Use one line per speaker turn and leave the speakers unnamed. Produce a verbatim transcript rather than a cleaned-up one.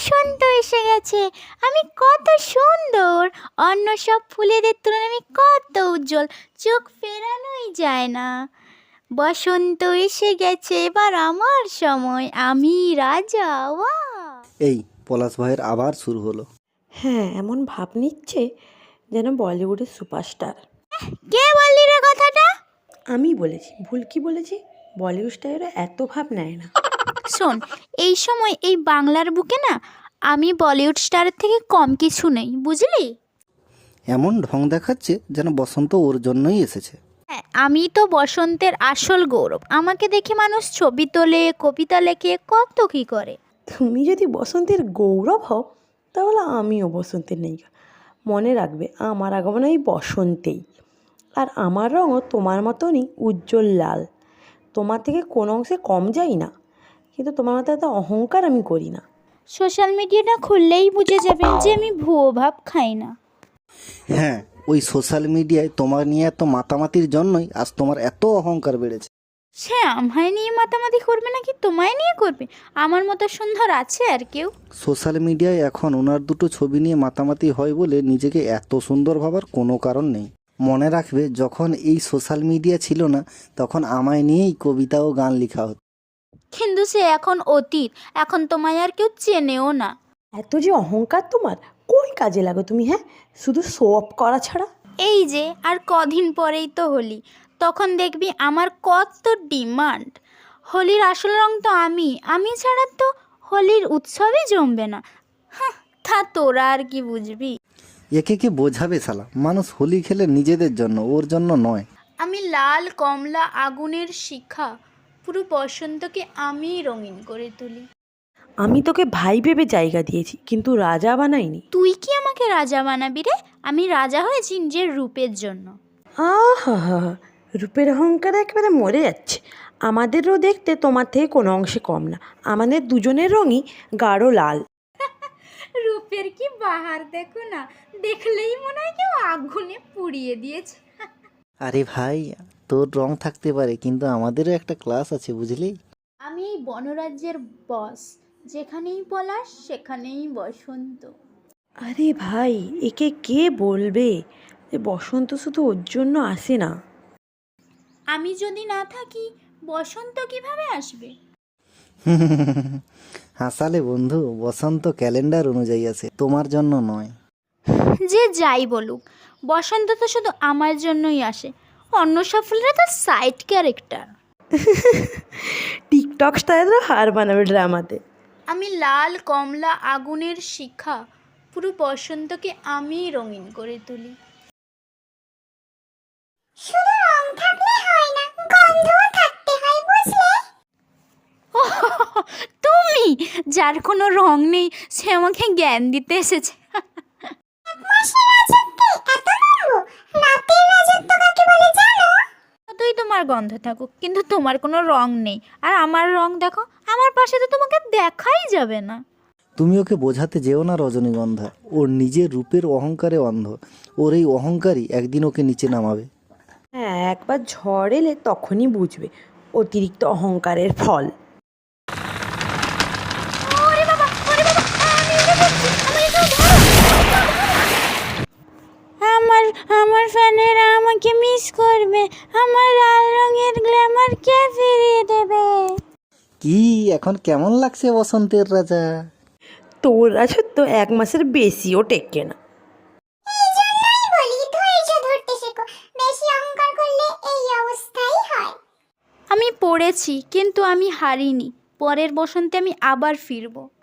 বসন্ত এসে গেছে, আমি কত সুন্দর, অন্য সব ফুলেদের তুলনায় আমি কত উজ্জ্বল, চোখ ফেরানোই যায় না। বসন্ত এসে গেছে, এবার আমার সময়, আমি রাজা। ওয়া
এই পলাশ ভাইয়ের আবার শুরু হলো।
হ্যাঁ, এমন ভাব নিচ্ছে যেন বলিউডের সুপারস্টার।
কে বললি রে কথাটা?
আমি বলেছি, ভুল কি বলেছি? বলিউড স্টারেরা এত ভাব নেয় না।
শোন, এই সময় এই বাংলার বুকে না আমি বলিউড স্টারের থেকে কম কিছু নেই, বুঝলি?
এমন ঢং দেখাচ্ছে যেন বসন্ত ওর জন্যই এসেছে।
হ্যাঁ, আমি তো বসন্তের আসল গৌরব। আমাকে দেখে মানুষ ছবি তোলে, কবিতা লেখে, কত কী করে।
তুমি যদি বসন্তের গৌরব হও তাহলে আমিও বসন্তের নায়িকা। মনে রাখবে, আমার আগমন এই বসন্তেই, আর আমার রঙও তোমার মতনই উজ্জ্বল লাল। তোমার থেকে কোনো অংশে কম যাই না, কিন্তু তোমার মতো এত অহংকার আমি করি না।
সোশ্যাল মিডিয়াটা খুললেই বুঝে যাবেন যে আমি ভুয়ো ভাব খাই না।
হ্যাঁ, ওই সোশ্যাল মিডিয়ায় তোমার নিয়ে এত মাতামাতির জন্যই আজ তোমার এত অহংকার বেড়েছে।
সে আমায় নিয়ে মাতামাতি করবে নাকি তোমায় নিয়ে করবে? আমার মতো সুন্দর আছে আর কেউ?
সোশ্যাল মিডিয়ায় এখন ওনার দুটো ছবি নিয়ে মাতামাতি হয় বলে নিজেকে এত সুন্দর ভাবার কোনো কারণ নেই। মনে রাখবে, যখন এই সোশ্যাল মিডিয়া ছিল না তখন আমায় নিয়েই কবিতা ও গান লেখা হতো।
কিন্তু সে এখন অতীত, এখন তোমায় আর কেউ চেনেও না।
এত যে অহংকার তোমার, কোন কাজে লাগো তুমি? হ্যাঁ, শুধু শো অফ করা ছাড়া।
এই যে আর কদিন পরেই তো হোলি, তখন দেখবি আমার কত ডিমান্ড। হোলির আসল রং তো আমি, আমি ছাড়া তো হোলির উৎসবই জমবে না। হ্যাঁ, তা তোরা আর কি বুঝবি?
একে কে বোঝাবে শালা? মানুষ হোলি খেলে নিজেদের জন্য, ওর জন্য নয়।
আমি লাল কমলা আগুনের শিখা, পুরো বসন্তকে আমি রঙিন করে তুলি।
আমি তোকে ভাই ভেবে জায়গা দিয়েছি, কিন্তু রাজা বানাইনি।
তুই কি আমাকে রাজা বানাবি রে? আমি রাজা হয়েছি নিজের রূপের জন্য।
আহা হা, রূপের অহংকারে একেবারে মরে যাচ্ছে। আমাদেরও দেখতে তোমার থেকে কোনো অংশে কম না। আমাদের দুজনের রঙই গাঢ় লাল।
রূপের কি বাহার দেখো না, দেখলেই মনে হয় কেউ আগুনে পুড়িয়ে দিয়েছে।
আরে ভাই, তোর রং থাকতে পারে, কিন্তু আমাদেরও একটা ক্লাস আছে, বুঝলি?
আমি এই বনরাজ্যের বস, যেখানেই পলাশ সেখানেই বসন্ত।
আরে ভাই, একে কে বলবে যে বসন্ত শুধু ওর জন্য আসে না?
আমি যদি না থাকি বসন্ত কিভাবে আসবে?
হাসালে বন্ধু, বসন্ত ক্যালেন্ডার অনুযায়ী আছে, তোমার জন্য নয়।
যে যাই বলুক, বসন্ত তো শুধু আমার জন্যই আসে, অন্য সব ফুলরা তো সাইড ক্যারেক্টার।
টিকটক স্টাইলরা হার বানাবে ড্রামাতে।
আমি লাল কমলা আগুনের শিখা, পুরো বসন্তকে আমি রঙিন করে তুলি। শুধু রং থাকলে হয় না, গন্ধও থাকতে হয়, বুঝলে? তুমি, যার কোনো রং নেই, সে আমাকে জ্ঞান দিতে এসেছে। তুই তোমার গন্ধ থাকুক, কিন্তু তোমার কোনো রং নেই, আর আমার রং দেখো, আমার পাশে তো তোমাকে দেখাই যাবে না।
তুমি ওকে বোঝাতে যেও না রজনীগন্ধা, ওর নিজের রূপের অহংকারে অন্ধ। ওর এই অহংকারই একদিন ওকে নিচে নামাবে।
হ্যাঁ, একবার ঝড় এলে তখনই বুঝবে অতিরিক্ত অহংকারের ফল।
ওরে বাবা, ওরে বাবা, আমি উড়ে যাচ্ছি, আমাকে কেউ ধরো। আমার আমার ফ্যানেরা আমাকে মিস করবে, আমার লাল রঙের গ্ল্যামার কে ফিরিয়ে দেবে?
কি এখন কেমন লাগছে বসন্তের রাজা?
তোর রাজত্ব এক মাসের বেশিও টেকে না।
আমি পড়েছি, কিন্তু আমি হারিনি। পরের বসন্তে আমি আবার ফিরবো।